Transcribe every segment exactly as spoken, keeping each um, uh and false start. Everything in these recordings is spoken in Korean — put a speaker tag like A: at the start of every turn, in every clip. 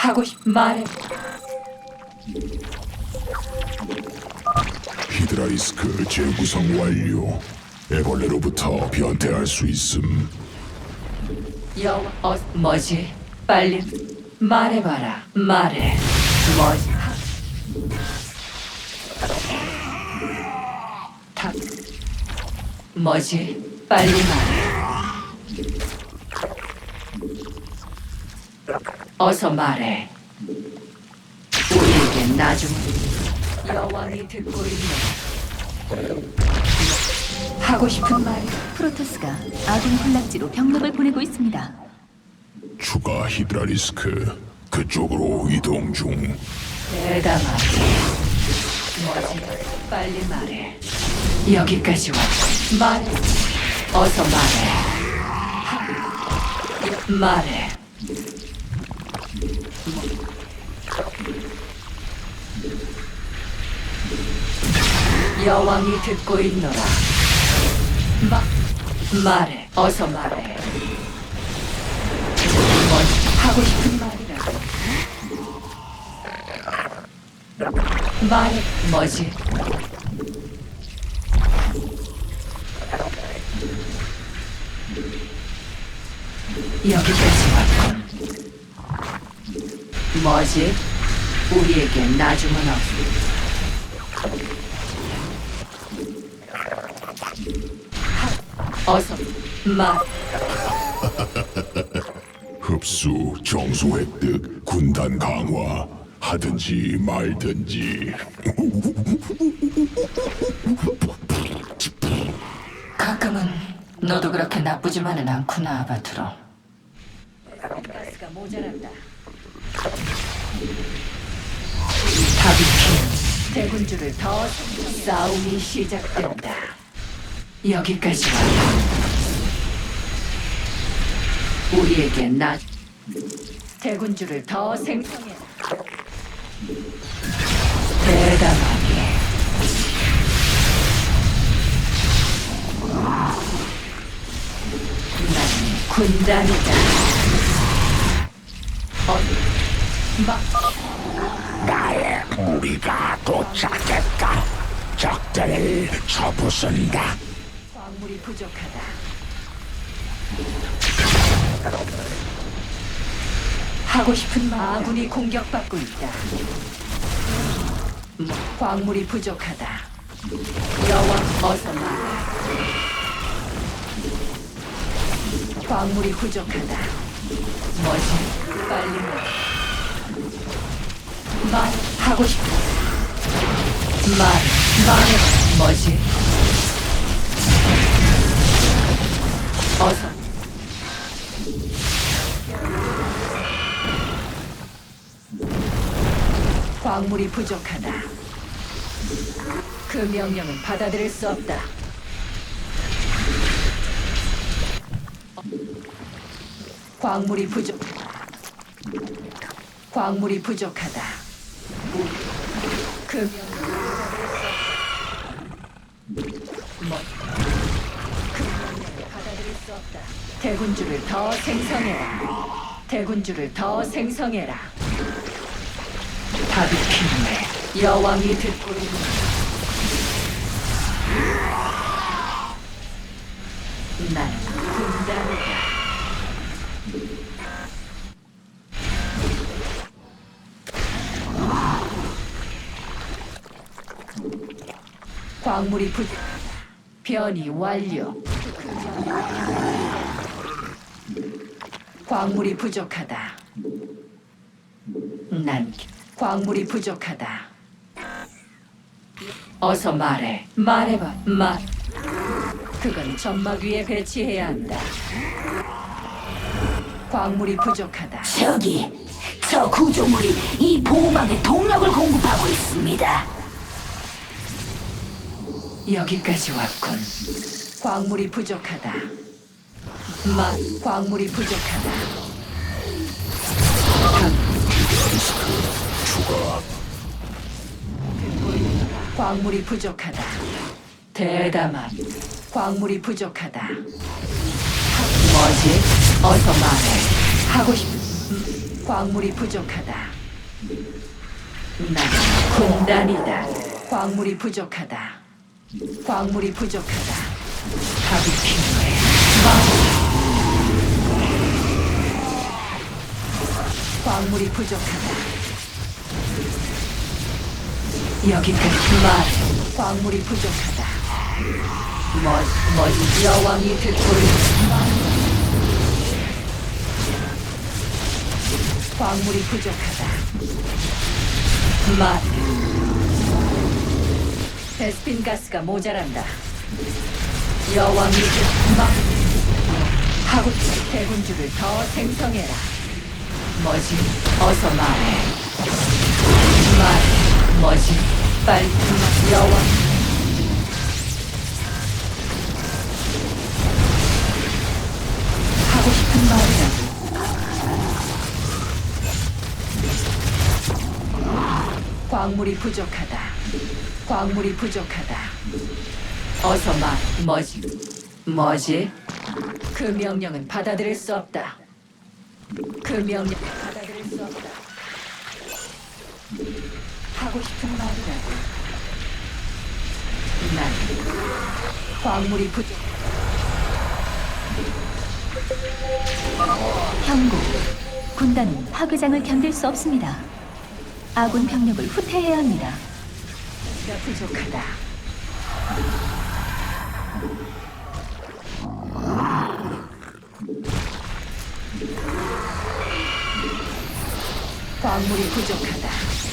A: 하고 싶 말해.
B: 히드라이스크 재구성 완료. 애벌레로부터 변태할 수 있음.
A: 여와 어 뭐지? 빨리 말해봐라. 말해. 뭐지? 하- 다 뭐지? 빨리 말해. 어서 말해. 우리에게 나중 여왕이 듣고 있네. 하고 싶은 말이
C: 프로토스가 아군 군락지로 병력을 보내고 있습니다.
B: 추가 히드라리스크 그쪽으로 이동 중.
A: 대담하게. 뭐지? 빨리 말해. 여기까지 왔고 말해. 어서 말해. 하- 말해. 여왕이 듣고 있노라. 마, 말해. 어서 말해. 뭐지? 하고 싶은 말이라고. 말해. 뭐지? 여기까지 왔군. 뭐지? 우리에게 나중은 없어. 하, 어서 말.
B: 흡수, 정수 획득, 군단 강화. 하든지 말든지.
A: 가끔은 너도 그렇게 나쁘지만은 않구나, 아바트로. 가스가 모자란다. 다비키 대군주를 더 싸움이 시작된다. 여기까지 와. 우리에게 나 대군주를 더 생성해. 대담하게. 나는 군단이다. 어, 마,
B: 나의 무리가 도착했다. 적들을 쳐부순다.
A: 광물이 부족하다. 하고 싶은 말. 아군이 공격받고 있다. 뭐, 광물이 부족하다. 여왕 어서 말해. 광물이 부족하다. 뭐지? 빨리 말해. 말 하고 싶어. 말 말해. 뭐지? 어서. 광물이 부족하다. 그 명령은 받아들일 수 없다. 광물이 부족. 광물이 부족하다. 그 명령은 뭐? 그 명령을 받아들일 수 없다. 대군주를 더 생성해라. 대군주를 더 생성해라. 답이 필요해. 여왕이 듣고 있는. 난 군단이다. 광물이 부 변이 완료. 광물이 부족하다. 난 광물이 부족하다. 어서 말해. 말해봐. 말. 그건 점막 위에 배치해야 한다. 광물이 부족하다.
D: 저기, 저 구조물이 이 보호막에 동력을 공급하고 있습니다.
A: 여기까지 왔군. 광물이 부족하다. 마, 광물이 부족하다.
B: 추가.
A: 광물이 부족하다. 대담한. 광물이 부족하다. 뭐지? 어서 말해. 하고 싶. 음, 광물이 부족하다. 난 군단이다. 광물이 부족하다. 광물이 부족하다. 답이 필요해. 말. 광물이 부족하다. 여기까지 말. 광물이 부족하다. 뭐, 뭐지? 여왕이 듣고 있는 광물이 부족하다. 말. 베스핀 가스가 모자란다. 여왕이 막 하고 싶은 대군주를 더 생성해라. 뭐지? 어서 말해. 말해. 뭐지? 빨리 말. 여왕. 하고 싶은 말이라도. 광물이 부족하다. 광물이 부족하다. 어서 말. 뭐지? 뭐지? 그 명령은 받아들일 수 없다. 그 명령 받아들일 수 없다. 하고 싶은 말이라도. 난 광물이 부족.
C: 경고. 군단은 파괴장을 견딜 수 없습니다. 아군 병력을 후퇴해야 합니다.
A: 가 부족하다. 광물이 부족하다.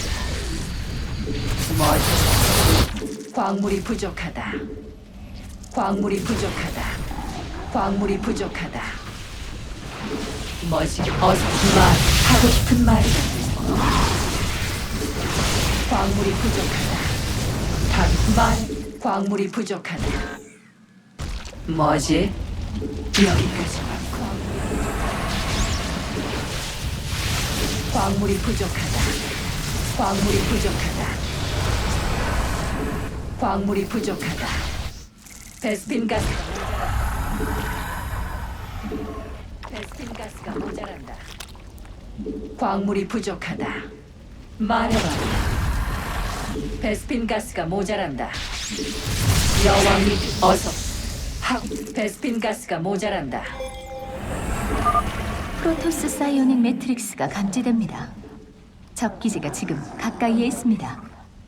A: 뭐지? 광물이 부족하다. 광물이 부족하다. 광물이 부족하다. 뭐지? 어서 말. 하고 싶은 말이라도. 광물이 부족하다. 답 말. 광물이 부족하다. 뭐지? 여기까지만. 광물이 부족하다. 광물이 부족하다. 광물이 부족하다. 베스핀 가스가 모자란다. 베스핀 가스가 모자란다. 광물이 부족하다. 말해봐. 베스핀 가스가 모자란다. 여왕이 어서. 하. 베스핀 가스가 모자란다.
C: 프로토스 사이오닉 매트릭스가 감지됩니다. 적 기지가 지금 가까이에 있습니다.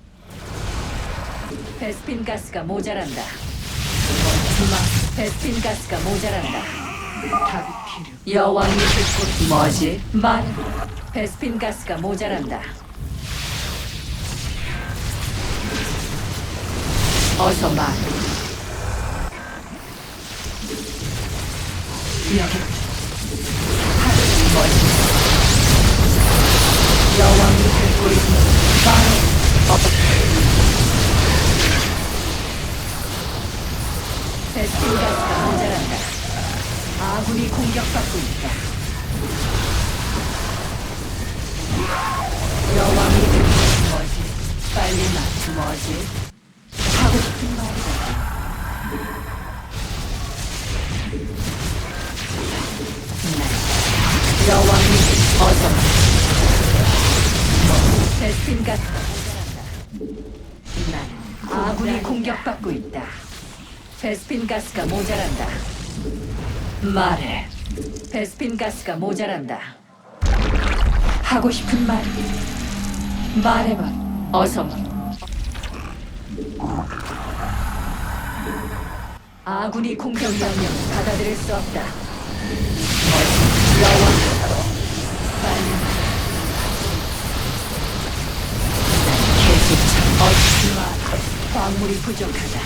A: 베스핀 가스가 모자란다. 마, 베스핀 가스가 모자란다. 답이 필요. 여왕이 듣고 뭐지? 말. 베스핀 가스가 모자란다. 어서 말. 여기. 뭐지? 여왕이 듣고 있는 말. 어. 베스핀 가스가 모자란다. 아군이 공격받고 있다. 여왕이 듣고 뭐지? 빨리 말. 뭐지? 하고 싶은 말이다. 네. 여왕이 어서 뭐, 베스핀 가스가 모자란다. 나는 아군이 공격받고 있다. 베스핀 가스가 모자란다. 말해. 베스핀 가스가 모자란다. 하고 싶은 말. 말해봐. 어서. 아군이 공격 명령 받아들일 수 없다. 여왕. 빨리. 계속 어찌 말. 광물이 부족하다.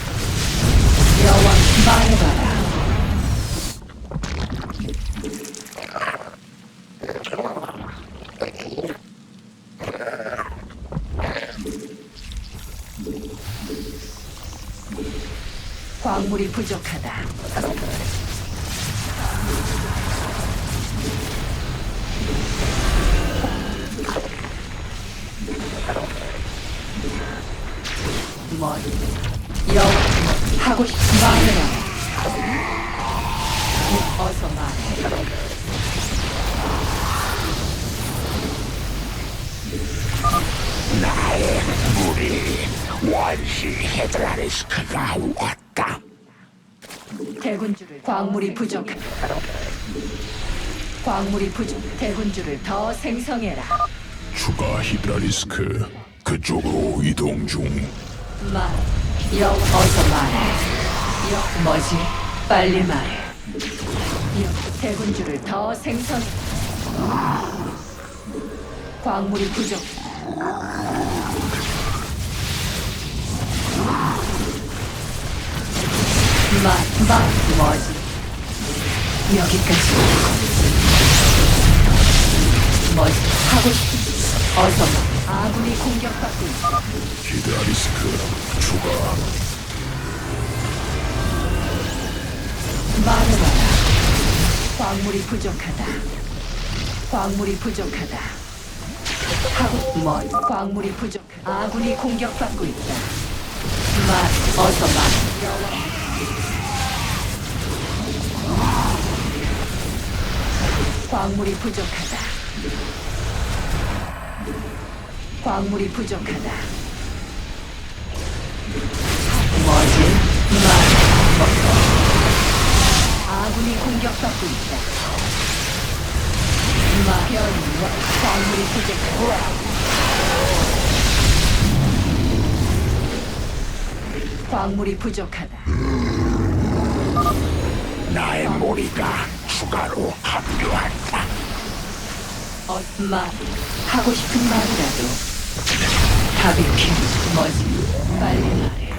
A: 여왕 말해봐라. 광물이 부족하다. 뭐 여왕 하고 싶은 말해라. 어서 말해.
B: 나의 무리 원시 헤드라리스크가 왔다.
A: 대군주를 광물이 부족. 광물이 부족. 대군주를 더 생성해라.
B: 추가 히드라리스크 그쪽으로 이동 중.
A: 말. 여 어서 말해. 여 뭐지? 빨리 말해. 여 대군주를 더 생성. 광물이 부족. 말, 말, 뭐지? 여기까지. 뭐지? 하고 싶은 어서 말. 아군이 공격받고 있어.
B: 히드라리스크 추가.
A: 말해봐라. 광물이 부족하다. 광물이 부족하다. 하고 뭐? 광물이 부족. 아군이 공격받고 있다. 말, 어서 말. 광물이 부족하다. 광물이 부족하다. 뭐지? 말. 아군이 공격받고 있다. 마변 광물이 부족하다. 광물이 부족하다.
B: 나의 무리가 추가로 합류한다.
A: 어, 말 하고 싶은 말이라도 바비큐 뭐지? 빨리 말해.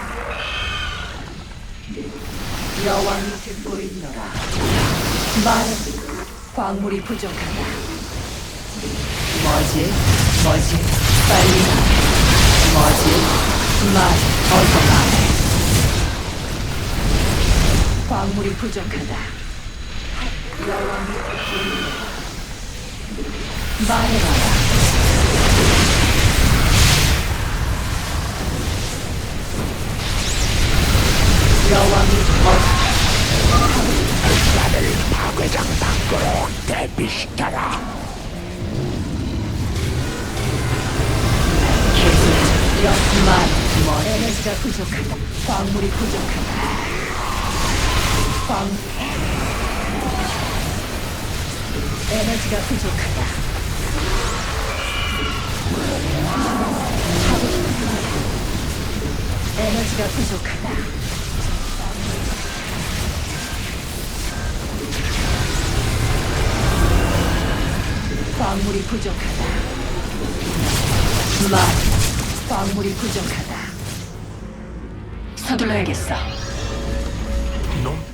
A: 여왕이 듣고 있노라. 말해. 광물이 부족하다. 뭐지? 뭐지? 빨리 말해. 뭐지? 말 어서 말해. 광물이 부족하다. 여왕이 듣고 있노라. 말해봐라. 여왕이 어
B: 나를 파괴장 밖으로 대피시켜라.
A: 계속 역말 뭐 에너지가 부족하다. 광물이 부족하다. 광 에너지가 부족하다. 하고 싶은 말. 에너지가 부족하다. 광물이 부족하다. 말, 광물이 부족하다. 서둘러야겠어.
B: 놈